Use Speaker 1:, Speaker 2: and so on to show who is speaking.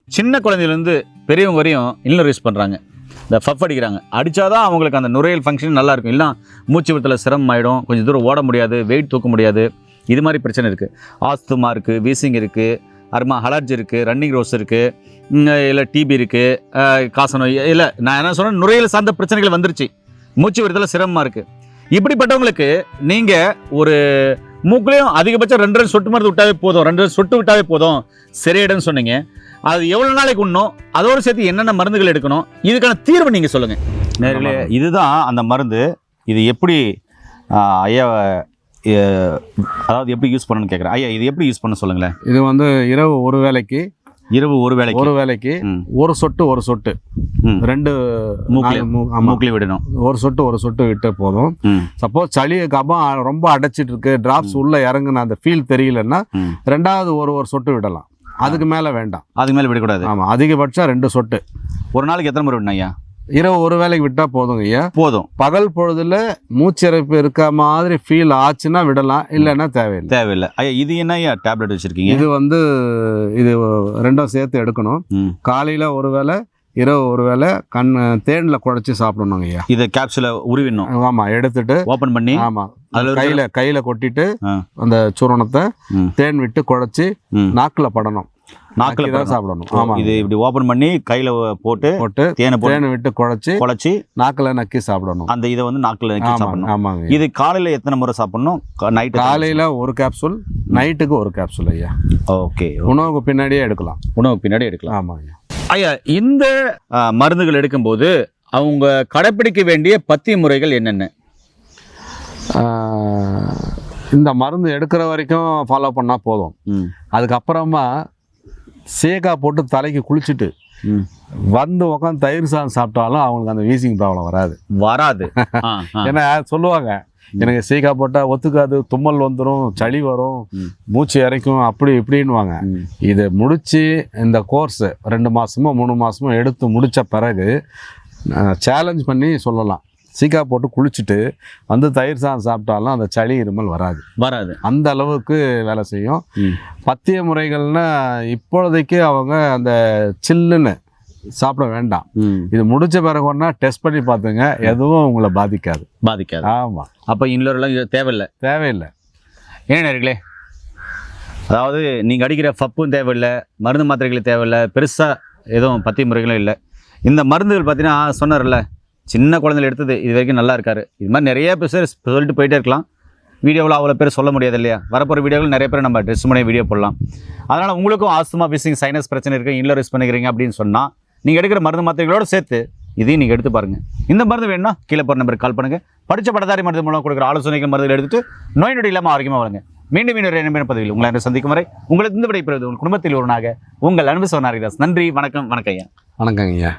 Speaker 1: சின்ன குழந்தையிலேருந்து பெரியவங்க வரையும் இன்னர் யூஸ் பண்ணுறாங்க. இந்த ஃபஃப் அடிக்கிறாங்க. அடித்தாதான் அவங்களுக்கு அந்த நுரையீரல் ஃபங்க்ஷன் நல்லாயிருக்கும். இல்லை மூச்சு விடத்தில் சிரமம் ஆகிடும், கொஞ்சம் தூரம் ஓட முடியாது, வெயிட் தூக்க முடியாது, இது மாதிரி பிரச்சனை இருக்குது. ஆஸ்துமா இருக்குது, வீசிங் இருக்குது, அலர்ஜி இருக்குது, ரன்னிங் ரோஸ் இருக்குது, இல்லை டிபி இருக்குது, காசநோய், இல்லை நான் என்ன சொன்னேன், நுரையீரல் சார்ந்த பிரச்சனைகள் வந்துருச்சு, மூச்சு விடத்தில் சிரமமாக இருக்குது. இப்படிப்பட்டவங்களுக்கு நீங்கள் ஒரு மூக்குலையும் அதிகபட்சம் 2 சொட்டு மருந்து விட்டாவே போதும், 2 சொட்டு விட்டாவே போதும் சரியிடன்னு சொன்னீங்க. அது எவ்வளோ நாளைக்கு உண்ணும், அதோடு சேர்த்து என்னென்ன மருந்துகள் எடுக்கணும், இதுக்கான தீர்வு நீங்கள் சொல்லுங்கள். நேர்களே, இதுதான் அந்த மருந்து. இது எப்படி ஐயா, அதாவது எப்படி யூஸ் பண்ணணும்னு கேட்குறேன். ஐயா, இது எப்படி யூஸ் பண்ண சொல்லுங்களேன்.
Speaker 2: இது வந்து இரவு ஒரு வேளைக்கு ஒரு சொட்டு 2
Speaker 1: மூக்கில் விடணும்.
Speaker 2: ஒரு சொட்டு விட்டு போதும். சப்போஸ் சளி கபம் ரொம்ப அடைச்சிட்டு இருக்கு, டிராப்ஸ் உள்ள இறங்குன அந்த ஃபீல் தெரியலன்னா 2வது ஒரு சொட்டு விடலாம். அதுக்கு மேல வேண்டாம்,
Speaker 1: அதுக்கு மேல விடக்கூடாது.
Speaker 2: ஆமா, அதிகபட்சம் 2 சொட்டு.
Speaker 1: ஒரு நாளைக்கு எத்தனை முறை விடணும் ஐயா?
Speaker 2: இரவு ஒரு வேளைக்கு விட்டா போதுங்க ஐயா, போதும். பகல் பொழுதுல மூச்சிறைப்பு இருக்க மாதிரி ஃபீல் ஆச்சுன்னா விடலாம், இல்லைன்னா தேவையில்லை.
Speaker 1: ஐயா, இது என்ன ஐயா டேப்லெட் வச்சிருக்கீங்க?
Speaker 2: இது வந்து இது 2ம் சேர்த்து எடுக்கணும். காலையில ஒரு வேளை, இரவு ஒரு வேளை தேன்ல குழைச்சி சாப்பிடணுங்க ஐயா.
Speaker 1: இதை கேப்சூலை உருவிடணும்.
Speaker 2: ஆமா, எடுத்துட்டு ஓபன் பண்ணி, ஆமா, கையில கொட்டிட்டு அந்த சூரணத்தை தேன் விட்டு குழைச்சி நாக்குல படணும்.
Speaker 1: நாக்கில் தான் சாப்பிடணும். ஆமா, இது இப்படி ஓபன் பண்ணி கையில போட்டு தேனை விட்டு குழைச்சி நாக்கில் நக்கி சாப்பிடணும். அந்த இதை வந்து நாக்கில் நக்கி சாப்பிடணும். ஆமாங்க. இது காலையில எத்தனை முறை சாப்பிடணும்? காலையில ஒரு கேப்சூல், நைட்டுக்கு ஒரு கேப்சூல் ஐயா. ஓகே, உணவுக்கு பின்னாடியே எடுக்கலாம். ஆமா ஐயா. ஐயா, இந்த மருந்துகள் எடுக்கும்போது அவங்க கடைப்பிடிக்க வேண்டிய பத்திய முறைகள் என்னென்ன? இந்த மருந்து எடுக்கிற வரைக்கும் ஃபாலோ பண்ணா போதும். அதுக்கப்புறமா சேகா போட்டு தலைக்கு குளிச்சுட்டு வந்து உட்காந்து தயிர் சாதம் சாப்பிட்டாலும் அவங்களுக்கு அந்த வீசிங் ப்ராப்ளம் வராது. ஏன்னா சொல்லுவாங்க, எனக்கு சீக்கா போட்டால் ஒத்துக்காது, தும்மல் வந்துடும், சளி வரும், மூச்சு இறைக்கும், அப்படி இப்படின்வாங்க. இதை முடித்து இந்த கோர்ஸ் 2 மாதமோ 3 மாதமோ எடுத்து முடித்த பிறகு சேலஞ்ச் பண்ணி சொல்லலாம், சீக்கா போட்டு குளிச்சுட்டு வந்து தயிர் சாதம் சாப்பிட்டாலும் அந்த சளி இருமல் வராது. அந்த அளவுக்கு வேலை செய்யும். பத்திய முறைகள்னா இப்பொழுதைக்கு அவங்க அந்த சில்லுன்னு சாப்பிட வேண்டாம். இது முடிச்ச பிறகு ஒன்னா டெஸ்ட் பண்ணி பார்த்துங்க, எதுவும் உங்களை பாதிக்காது. ஆமா, அப்போ இன்னொருலாம் தேவையில்லை. ஏன் நேர்களே, அதாவது நீங்கள் அடிக்கிற ஃபப்பும் தேவையில்லை, மருந்து மாத்திரைகளும் தேவையில்லை, பெருசாக எதுவும் பத்திய முறைகளும் இல்லை. இந்த மருந்துகள் பார்த்தீங்கன்னா சொன்னார்ல, சின்ன குழந்தைகள் எடுத்தது இது வரைக்கும் நல்லா இருக்காரு. இது மாதிரி நிறைய பேர் சொல்லிட்டு போயிட்டே இருக்கலாம். வீடியோவில் அவ்வளோ பேர் சொல்ல முடியாது இல்லையா? வரப்போகிற வீடியோவில் நிறைய பேர் நம்ம ட்ரெஸ் பண்ணி வீடியோ போடலாம். அதனால் உங்களுக்கும் ஆஸ்துமா, வீசிங், சைனஸ் பிரச்சனை இருக்குது, இன்னர் யூஸ் பண்ணிக்கிறீங்க அப்படின்னு சொன்னால் நீங்கள் எடுக்கிற மருந்து மாத்திரைகளோடு சேர்த்து இதையும் நீங்கள் எடுத்து பாருங்கள். இந்த மருந்து வேணும்னா கீழே போகிற நம்பருக்கு கால் பண்ணுங்கள். படித்த பட்டதாரி மருந்து மூலம் கொடுக்குற ஆலோசனைகள் மருந்துகள் எடுத்துட்டு நோய் நொடி இல்லாமல் ஆரோக்கியமாக வருங்க. மீண்டும் இன்னொரு பதிவில் உங்களை சந்திக்கும் வரை உங்களுக்கு இந்த விடைபெறுவது உங்கள் குடும்பத்தில் ஒருவனாக உங்கள் அன்பு சோனாரிதாஸ். நன்றி, வணக்கம். ஐயா.
Speaker 2: வணக்கங்க ஐயா.